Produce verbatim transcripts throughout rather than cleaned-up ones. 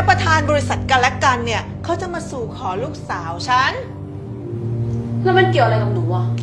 แล้วประธานบริษัทกันและกันเนี่ยเขาจะมาสู่ขอลูกสาวฉันแล้วมันเกี่ยวอะไรกับหนูอ่ะ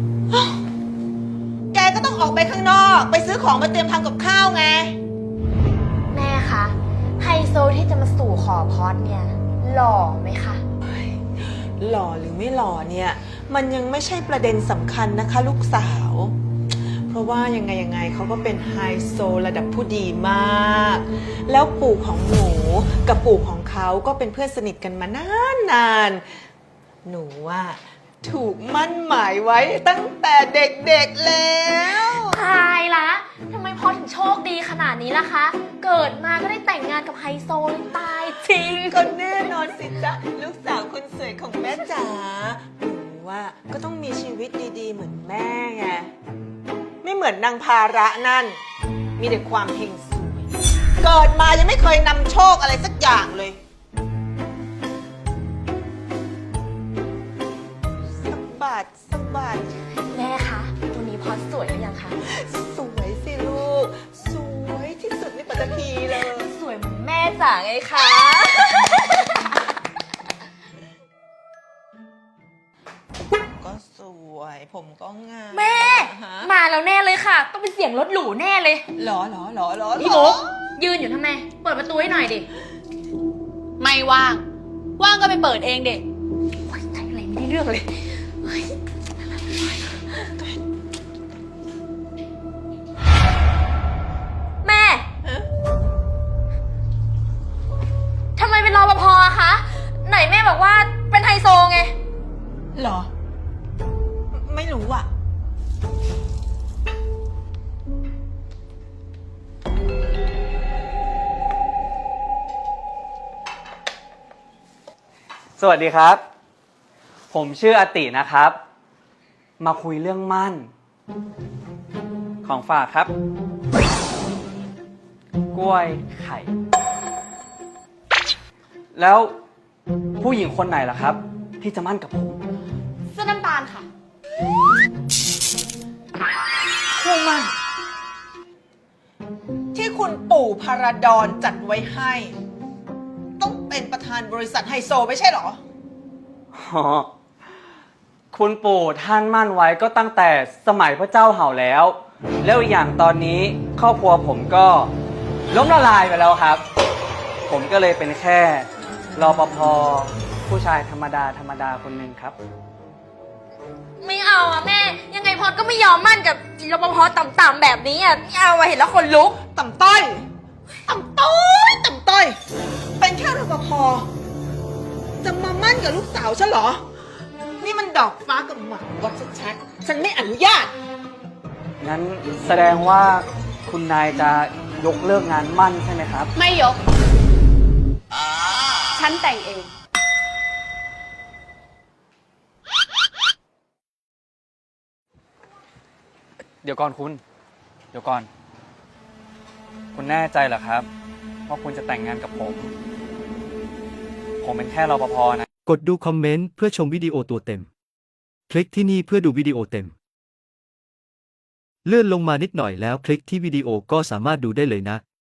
แกก็ต้องออกไปข้างนอกไปซื้อของมาเตรียมทำกับข้าวไงแม่คะไฮโซที่จะมาสู่ขอพอดเนี่ยหล่อไหมคะหล่อหรือไม่หล่อเนี่ยมันยังไม่ใช่ประเด็นสำคัญนะคะลูกสาวเพราะว่ายังไงยังไงเขาก็เป็นไฮโซระดับผู้ดีมากแล้วปู่ของหนูกับปู่ของเขาก็เป็นเพื่อนสนิทกันมานานนานหนูว่าถูกมั่นหมายไว้ตั้งแต่เด็กๆแล้วตายละทำไมพอถึงโชคดีขนาดนี้ล่ะคะเกิดมาก็ได้แต่งงานกับไฮโซเลยตายจริงก็แน่นอนสิจ๊ะลูกสาวคนสวยของแม่จ๋าหนูว่าก็ต้องมีชีวิตดีๆเหมือนแม่ไงไม่เหมือนนางภาระนั่นมีแต่ความเฮงซวยเกิดมายังไม่เคยนำโชคอะไรสักอย่างเลยสะบัดสะบัดแม่คะวันนี้พอสวยหรือยังคะสวยสิลูกสวยที่สุดในปัตตภีเลยสวยเหมือนแม่จ๋าไงคะก็สวยผมก็งามแม่มาแล้วแน่เลยค่ะต้องเป็นเสียงรถหรูแน่เลยหรอหรอหรอหรอพี่มุกยืนอยู่ทำไมเปิดประตูให้หน่อยดิไม่ว่างว่างก็ไปเปิดเองเด็กใช่อะไรไม่ได้เรื่องเลยแม่ทำไมเป็นรปภอะคะไหนแม่บอกว่าเป็นไฮโซไงหรอไม่รู้อ่ะสวัสดีครับผมชื่ออตินะครับมาคุยเรื่องมั่นของฝากครับกล้วยไข่แล้วผู้หญิงคนไหนล่ะครับที่จะมั่นกับผมเสื้อน้ำตาลค่ะคู่มั่นที่คุณปู่พาราดอนจัดไว้ให้ต้องเป็นประธานบริษัทไฮโซไม่ใช่หรออ๋อคุณปู่ท่านมั่นไว้ก็ตั้งแต่สมัยพระเจ้าเห่าแล้วแล้วอีกอย่างตอนนี้ครอบครัวผมก็ล้มละลายไปแล้วครับผมก็เลยเป็นแค่รปภผู้ชายธรรมดาธรรมดาคนหนึ่งครับไม่เอาอะแม่ยังไงพอดก็ไม่ยอมมั่นกับรปภต่ำๆแบบนี้อะไม่เอาอะเห็นแล้วคนลุกต่ำต้อยต่ำต้อยต่ำต้อยเป็นแค่รปภจะมามั่นกับลูกสาวฉันเหรอนี่มันดอกฟ้ากับหมากวัดชัดๆฉันไม่อนุญาตงั้นแสดงว่าคุณนายจะยกเลิกงานมั่นใช่ไหมครับไม่ยกฉันแต่งเองเดี๋ยวก่อนคุณเดี๋ยวก่อนคุณแน่ใจเหรอครับว่าคุณจะแต่งงานกับผมผมเป็นแค่รปภนะกดดูคอมเมนต์เพื่อชมวิดีโอตัวเต็มคลิกที่นี่เพื่อดูวิดีโอเต็มเลื่อนลงมานิดหน่อยแล้วคลิกที่วิดีโอก็สามารถดูได้เลยนะ